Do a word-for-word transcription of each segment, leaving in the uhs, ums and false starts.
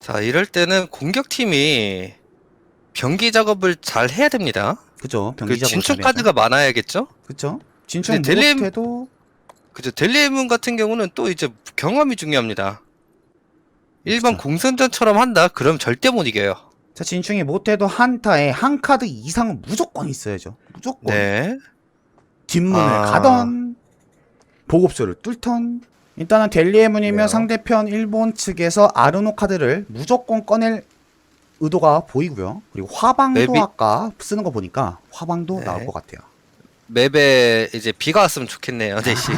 자, 이럴 때는 공격팀이 병기 작업을 잘 해야 됩니다. 그죠. 그 병기 작업을 진출 잘해야죠. 카드가 많아야겠죠? 그쵸. 진출 근데 델리엠- 못해도 그죠. 델리에문 같은 경우는 또 이제 경험이 중요합니다. 일반 그쵸. 공선전처럼 한다? 그럼 절대 못 이겨요. 자 진충이 못해도 한타에 한 카드 이상은 무조건 있어야죠. 무조건. 네. 뒷문을 아. 가던 보급소를 뚫던 일단은 델리에문이면 그래요? 상대편 일본 측에서 아르노 카드를 무조건 꺼낼 의도가 보이고요. 그리고 화방도 맵이- 아까 쓰는 거 보니까 화방도 네. 나올 것 같아요. 맵에 이제 비가 왔으면 좋겠네요, 대신.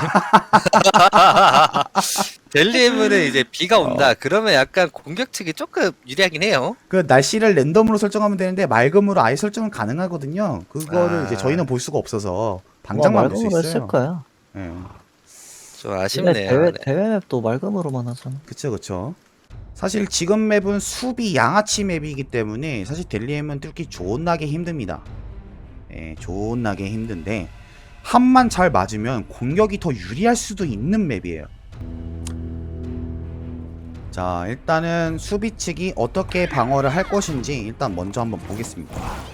델리에문은 이제 비가 온다. 그러면 약간 공격 측이 조금 유리하긴 해요. 그 날씨를 랜덤으로 설정하면 되는데 맑음으로 아예 설정은 가능하거든요. 그거를 아. 이제 저희는 볼 수가 없어서 방장만 볼 수 맑음으로 있어요. 했을 거야. 예. 좀 근데 아쉽네요. 대회 네. 대회 맵도 맑음으로만 하잖아. 그쵸 그쵸. 사실 지금 맵은 수비 양아치 맵이기 때문에 사실 델리엠은 뚫기 존나게 힘듭니다. 예, 존나게 힘든데 한만 잘 맞으면 공격이 더 유리할 수도 있는 맵이에요. 자 일단은 수비 측이 어떻게 방어를 할 것인지 일단 먼저 한번 보겠습니다.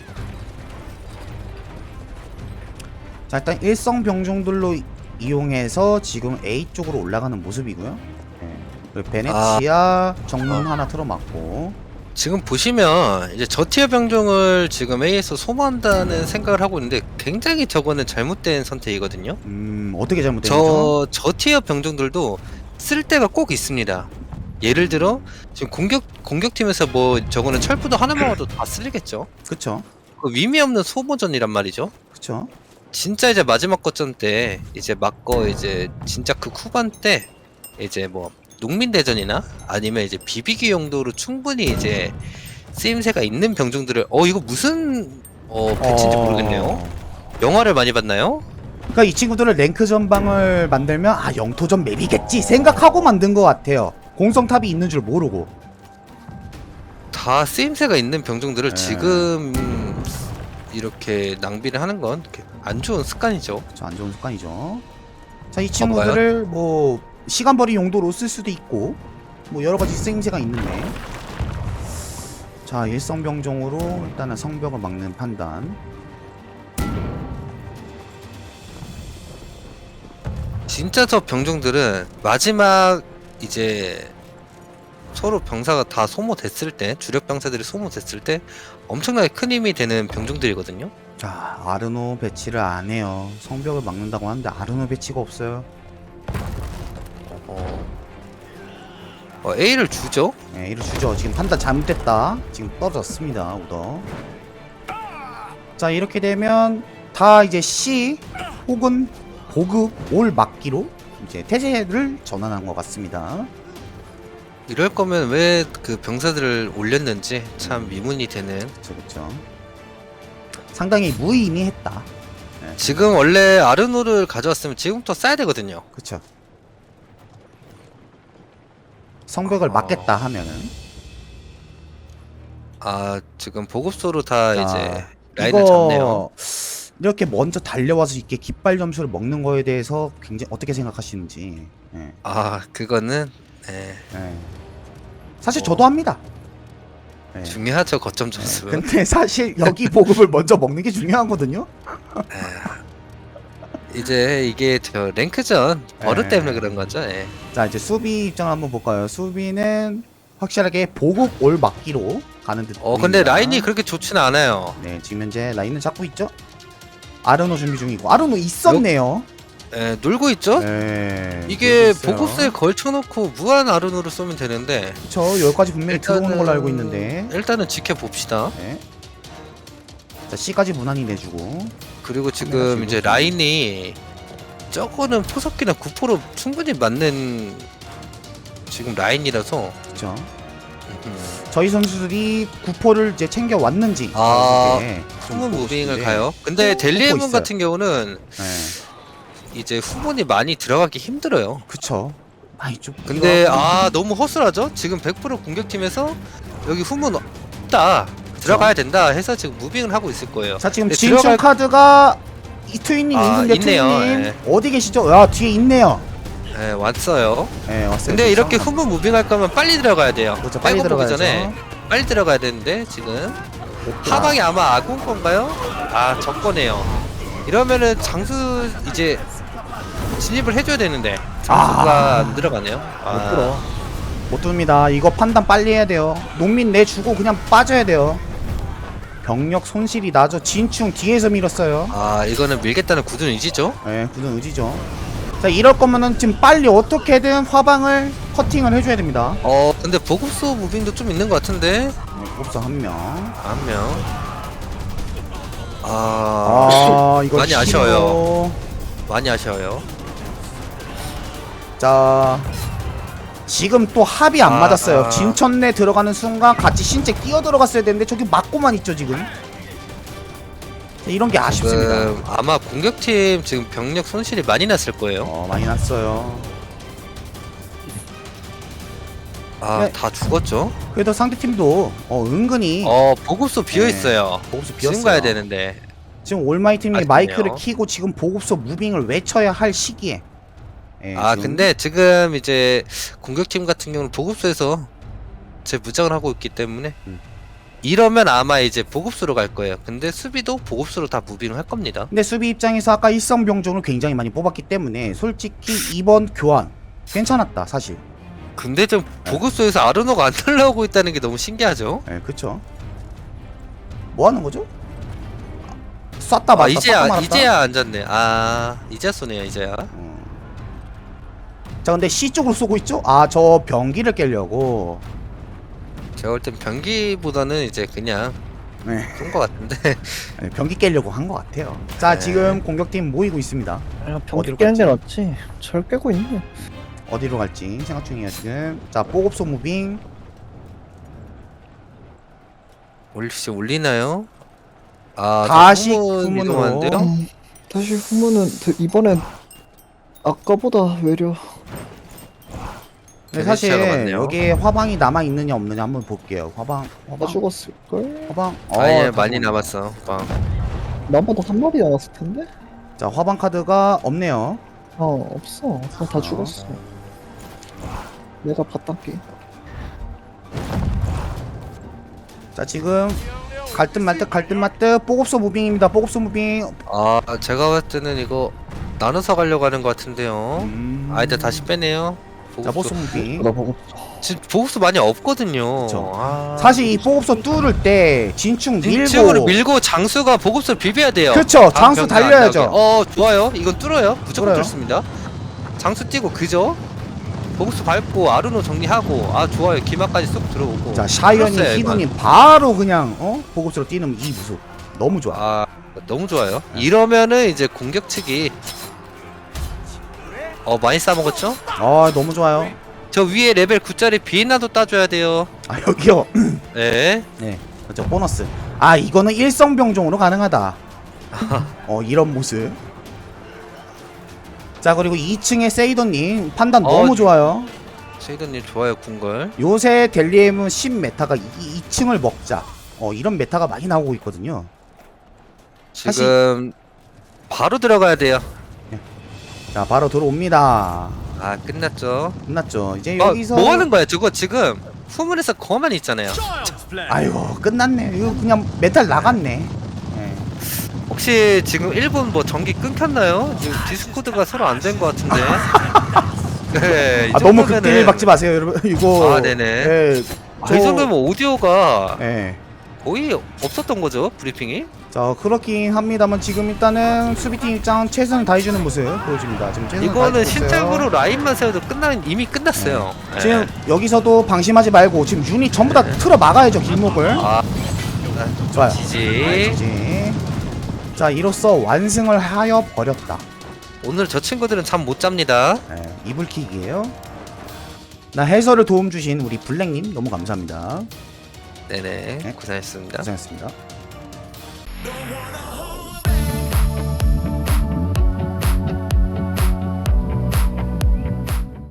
자 일단 일성병종들로 이용해서 지금 A 쪽으로 올라가는 모습이고요. 예, 그리고 베네치아 정문 하나 틀어맞고 지금 보시면 이제 저티어 병종을 지금 A에서 소모한다는 생각을 하고 있는데 굉장히 저거는 잘못된 선택이거든요. 음 어떻게 잘못된 거죠? 저 저티어 병종들도 쓸 때가 꼭 있습니다. 예를 들어 지금 공격 공격팀에서 뭐 저거는 철부도 하나만 와도 다 쓸리겠죠. 그쵸 그 의미 없는 소모전이란 말이죠. 그쵸. 진짜 이제 마지막 거점 때 이제 막거 이제 진짜 그 후반 때 이제 뭐 농민대전이나 아니면 이제 비비기 용도로 충분히 이제 쓰임새가 있는 병종들을 어 이거 무슨 어 배치인지 어, 모르겠네요. 영화를 많이 봤나요? 그러니까 이 친구들은 랭크 전방을 만들면 아 영토전 맵이겠지 생각하고 만든 것 같아요. 공성탑이 있는 줄 모르고. 다 쓰임새가 있는 병종들을 네. 지금 이렇게 낭비를 하는 건 안 좋은 습관이죠. 저 안 좋은 습관이죠. 자 이 친구들을 뭐 시간벌이 용도로 쓸 수도 있고 뭐 여러 가지 쓰임새가 있는데 자 일성병종으로 일단은 성벽을 막는 판단. 진짜 저 병종들은 마지막 이제 서로 병사가 다 소모됐을 때 주력 병사들이 소모됐을 때 엄청나게 큰 힘이 되는 병종들이거든요. 자 아르노 배치를 안 해요. 성벽을 막는다고 하는데 아르노 배치가 없어요. 어, 어, A를 주죠. 네, 이를 주죠. 지금 판단 잘못됐다. 지금 떨어졌습니다. 우더. 자 이렇게 되면 다 이제 C 혹은 보급 올 막기로 이제 태세를 전환한 것 같습니다. 이럴 거면 왜 그 병사들을 올렸는지 참 미문이 되는. 그쵸 그쵸. 상당히 무의미했다. 네, 지금 원래 아르노를 가져왔으면 지금부터 쏴야 되거든요. 그쵸. 성벽을 어. 막겠다 하면은 아 지금 보급소로 다 자, 이제 라인을 잡네요. 이거 이렇게 먼저 달려와서 이렇게 깃발 점수를 먹는 거에 대해서 굉장히 어떻게 생각하시는지. 예, 아 그거는 네, 예. 사실 어. 저도 합니다. 예. 중요하죠 거점 점수. 근데 사실 여기 보급을 먼저 먹는 게 중요하거든요. 이제 이게 저 랭크전 버릇 에. 때문에 그런 거죠. 예. 자 이제 수비 입장을 한번 볼까요? 수비는 확실하게 보급 올 막기로 가는 듯. 어 근데 보입니다. 라인이 그렇게 좋지는 않아요. 네 지금 현재 라인은 잡고 있죠. 아르노 준비 중이고 아르노 있었네요. 예, 놀고 있죠. 네. 이게 놀고 있어요. 보급소에 걸쳐놓고 무한 아르노를 쏘면 되는데 그쵸 여기까지 분명히 들어오는 걸로 알고 있는데. 일단은 지켜봅시다. 네. 자 C까지 무난히 내주고. 그리고 카메라 지금 지금 이제 라인이 저거는 포석기나 구포로 충분히 맞는 지금 라인이라서 그쵸. 음, 저희 선수들이 구포를 이제 챙겨 왔는지. 아, 이렇게 좀 후문 보고 무빙을 싶은데. 가요. 근데 또 델리에문 있어요. 같은 경우는 네. 이제 후문이 많이 들어가기 힘들어요. 그쵸. 아이 좀. 근데 이거- 아 너무 허술하죠? 지금 백 퍼센트 공격팀에서 여기 후문 없다 들어가야 된다 해서 지금 무빙을 하고 있을 거예요. 자 지금 근데 진출 들어갈- 카드가 이트윈님 아, 있는데 있네요. 트윈님 예. 어디 계시죠? 야 뒤에 있네요. 네, 왔어요. 네, 왔어요. 근데 그렇죠? 이렇게 후문 무빙할 거면 빨리 들어가야 돼요. 그렇죠, 빨리 백업 보기 들어가야죠. 전에 빨리 들어가야 되는데 지금 하방이 아마 아군 건가요? 아, 적 거네요. 이러면은 장수 이제 진입을 해줘야 되는데 장수가 아. 안 들어가네요. 못 들어. 못 듭니다. 이거 판단 빨리 해야 돼요. 농민 내주고 그냥 빠져야 돼요. 병력 손실이 나죠. 진충 뒤에서 밀었어요. 아, 이거는 밀겠다는 굳은 의지죠. 네, 굳은 의지죠. 자, 이럴 거면은 지금 빨리 어떻게든 화방을 커팅을 해줘야 됩니다. 어, 근데 보급소 무빙도 좀 있는 것 같은데 네, 곱사 한 명. 한 명. 아, 아, 이거 많이 힘으로. 아쉬워요. 많이 아쉬워요. 자, 지금 또 합이 안 아, 맞았어요. 아. 진천내 들어가는 순간 같이 신체 끼어 들어갔어야 되는데 저기 맞고만 있죠 지금. 자, 이런 게 아쉽습니다. 지금 아마 공격팀 지금 병력 손실이 많이 났을 거예요. 어, 많이 났어요. 아, 네. 다 죽었죠. 그래도 상대 팀도 어, 은근히 어, 보급소 비어 있어요. 보급소 지금 비었어요. 가야 되는데. 지금 올마이 팀이 아쉽네요. 마이크를 키고 지금 보급소 무빙을 외쳐야 할 시기에. 예, 아, 지금 근데 지금 이제 공격팀 같은 경우는 보급소에서 제 무장을 하고 있기 때문에 음. 이러면 아마 이제 보급소로 갈 거예요. 근데 수비도 보급소로 다 무빙을 할 겁니다. 근데 수비 입장에서 아까 일성병종을 굉장히 많이 뽑았기 때문에 솔직히 이번 교환 괜찮았다 사실. 근데 좀 보급소에서 아르노가 안 날라오고 있다는 게 너무 신기하죠. 예, 그쵸. 뭐 하는 거죠? 쐈다 아, 말았다 이제야 쐈다 말았다. 이제야 앉았네. 아, 이제야 쏘네요. 이제야. 음. 자, 근데 C 쪽으로 쏘고 있죠? 아, 저 병기를 깨려고. 제가 볼 땐 변기보다는 이제 그냥 네, 쏜 것 같은데. 네, 병기 깨려고 한 것 같아요. 자, 네. 지금 공격팀 모이고 있습니다. 야, 어디로 병기 깨는 게 낫지. 절 깨고 있네. 어디로 갈지 생각 중이에요 지금. 자, 보급소 무빙. 올리시 올리나요? 아, 다시 저 후문 후문으로. 이동하는데요? 음, 다시 후문은 드- 이번엔 아까보다 외려. 근데 사실 베네치아가 많네요. 여기에 화방이 남아 있느냐 없느냐 한번 볼게요. 화방, 다 화방, 죽었을걸? 화방. 아, 예, 다 많이 죽었네. 남았어. 빵. 나보다 한 마리 남았을 텐데? 자, 화방 카드가 없네요. 어, 없어. 그냥 다 어. 죽었어. 내가 바닥기. 자, 지금 갈듯 말듯 갈듯 말듯 보급소 무빙입니다. 보급소 무빙. 아, 제가 봤을 때는 이거 나눠서 가려고 하는 것 같은데요. 음. 아, 일단 다시 빼네요. 자, 보급소 무빙. 나 보고 지금 보급수 많이 없거든요. 그쵸. 아, 사실 이 보급소 뚫을 때 진충 밀고 밀고. 밀고 장수가 보급수를 비벼야 돼요. 그쵸, 다음 장수 병기 안 달려야죠. 나오게. 어, 좋아요. 이건 뚫어요. 무조건 뚫어요. 뚫습니다. 장수 뛰고 그죠? 보급수 밟고 아르노 정리하고 아, 좋아요. 기마까지 쏙 들어오고. 자, 샤이언이 뚫었어요, 히든이 바로 그냥 어 보급소로 뛰는 이 모습 너무 좋아. 아, 너무 좋아요. 이러면은 이제 공격 측이 어, 많이 싸먹었죠? 아, 너무 좋아요. 저 위에 레벨 구짜리 비엔나도 따줘야 돼요. 아, 여기요. 네. 네, 그렇죠. 보너스. 아, 이거는 일성병종으로 가능하다. 어, 이런 모습. 자, 그리고 이 층에 세이더님 판단 어, 너무 좋아요. 쉐이더님 좋아요, 궁걸. 요새 델리엠은 십 메타가 이 층을 먹자. 어, 이런 메타가 많이 나오고 있거든요. 지금 바로 들어가야 돼요. 자, 바로 들어옵니다. 아, 끝났죠. 끝났죠. 이제 어, 여기서 뭐 하는 거야? 저거 지금 후문에서 거만 있잖아요. 아이고, 끝났네. 이거 그냥 메탈 나갔네. 네. 혹시 지금 일본 뭐 전기 끊겼나요? 지금 디스코드가 서로 안 된 것 같은데. 네, 이 아, 너무 정도면은- 극딜 박지 마세요, 여러분. 이거. 아, 네네. 예, 아, 이 정도면 오디오가 예. 거의 없었던 거죠, 브리핑이? 자, 그렇긴 합니다만 지금 일단은 수비팀 입장 최선을 다해주는 모습 보여줍니다. 지금 최선을 이거는 다해주고 있어요. 실적으로 라인만 세워도 끝난 이미 끝났어요. 네. 지금 여기서도 방심하지 말고 지금 유닛 전부 다 틀어 막아야죠, 길목을. 아, 좋아요. 지지. 지지. 자, 이로써 완승을 하여 버렸다. 오늘 저 친구들은 잠 못 잡니다. 예, 이불킥이에요. 나 해설을 도움 주신 우리 블랙님 너무 감사합니다. 네네, 네. 고생했습니다. 고생했습니다.